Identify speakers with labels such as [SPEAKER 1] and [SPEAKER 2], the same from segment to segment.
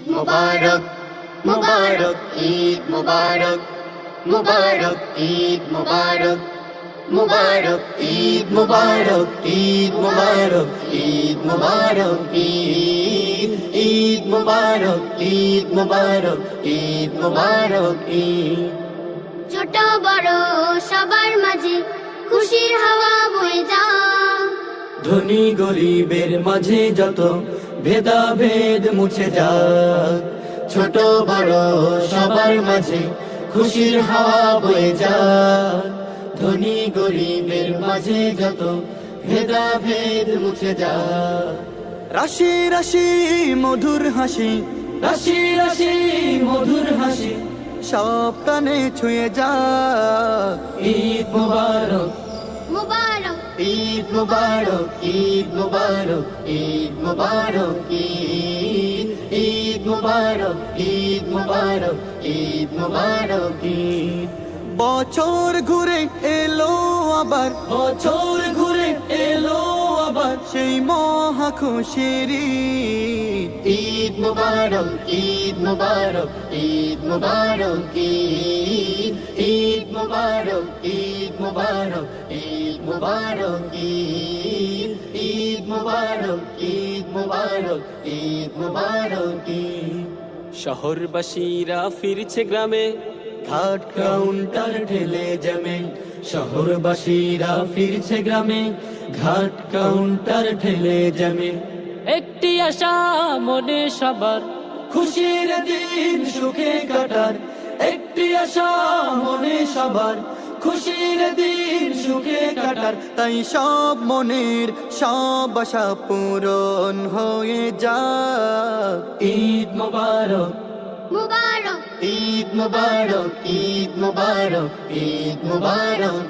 [SPEAKER 1] মুবারক মুবারক ঈদ মুবারক মুবারক ঈদ মুবারক মুবারক ঈদ মুবারক ঈদ মুবারক ঈদ মুবারক ঈদ মুবারক ঈদ মুবারক ঈদ মুবারক ঈদ।
[SPEAKER 2] ছোট বড় সবার মাঝে খুশির হাওয়া বয়ে যায়,
[SPEAKER 1] ধনী গরিবের মাঝে যত ভেদাভেদ মুছে যাক। ছোট বড় সবার মাঝে খুশির হাওয়া বয়ে যাক, ধনী গরিবের মাঝে যত ভেদাভেদ মুছে যাক। রাশি রাশি মধুর হাসি, রাশি রাশি মধুর হাসি সব কানে ছুঁয়ে যাক। ঈদ মুবারক
[SPEAKER 2] মুবারক
[SPEAKER 1] ঈদ মুবারক ঈদ মুবারক ঈদ মুবারক ঈদ মুবারক ঈদ মুবারক ঈদ মুবারক ঈদ। বছর ঘুরে এলো আবার, বছর ঘুরে এলো আবার সেই মহা খুশির ঈদ মুবারক ঈদ মুবারক ঈদ মুবারক ঈদ মুবারক ঈদ মুবারক ঈদ মুবারক ঈদ মুবারক ঈদ মুবারক ঈদ মুবারক।
[SPEAKER 3] শহরবাসীরা ফিরছে গ্রামে,
[SPEAKER 1] ঘাট কাউন্টার ঠেলে জমে। শহরবাসীরা ফিরছে গ্রামে, ঘাট কাউন্টার ঠেলে জমে।
[SPEAKER 3] একটি আশা মনে সবার,
[SPEAKER 1] খুশির দিন সুখে কাটার। একটি আশা মনে সবার, খুশির দিন সুখে কাটার। তাই সব মনের সব আশা পূরণ হয়ে যাক। ঈদ মুবারক
[SPEAKER 2] মুবারক
[SPEAKER 1] ঈদ মুবারক ঈদ মুবারক ঈদ মুবারক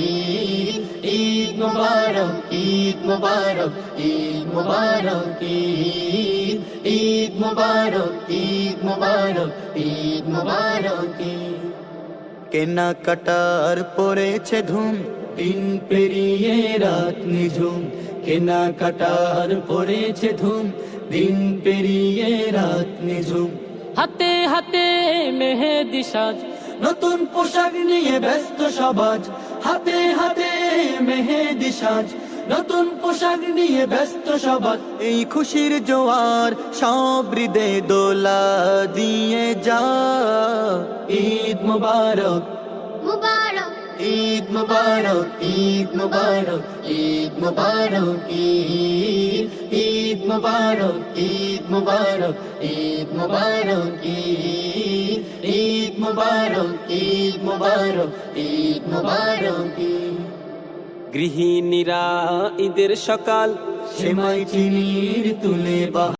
[SPEAKER 1] ঈদ মুবারক ঈদ মুবারক ঈদ মুবারক ঈদ মুবারক ঈদ মুবারক ঈদ মুবারক। কেনা কাটার পড়েছে ধুম, দিন পেরিয়ে রাত নিঝুম। কেনা কাটার পড়েছে ধুম, দিন পেরিয়ে রাত নিঝুম।
[SPEAKER 3] হাতে হাতে মেহেদি সাজ,
[SPEAKER 1] নতুন পোশাক নিয়ে ব্যস্ত সমাজ। হাতে হাতে মেহেদি সাজ, নতুন পোশাক নিয়ে ব্যস্ত সমাজ। এই খুশির জোয়ার সব হৃদয়ে দোলা দিয়ে যা। ঈদ মুবারক
[SPEAKER 2] মুবারক
[SPEAKER 1] ঈদ মুবারক ঈদ মুবারক ঈদ মুবারক ঈদ মুবারক ঈদ মুবারক ঈদ মুবারক ঈদ মুবারক ঈদ মুবারক ঈদ মুবারক।
[SPEAKER 3] গৃহিণীরা ঈদের সকাল,
[SPEAKER 1] সেমাই চিনির তুলে বা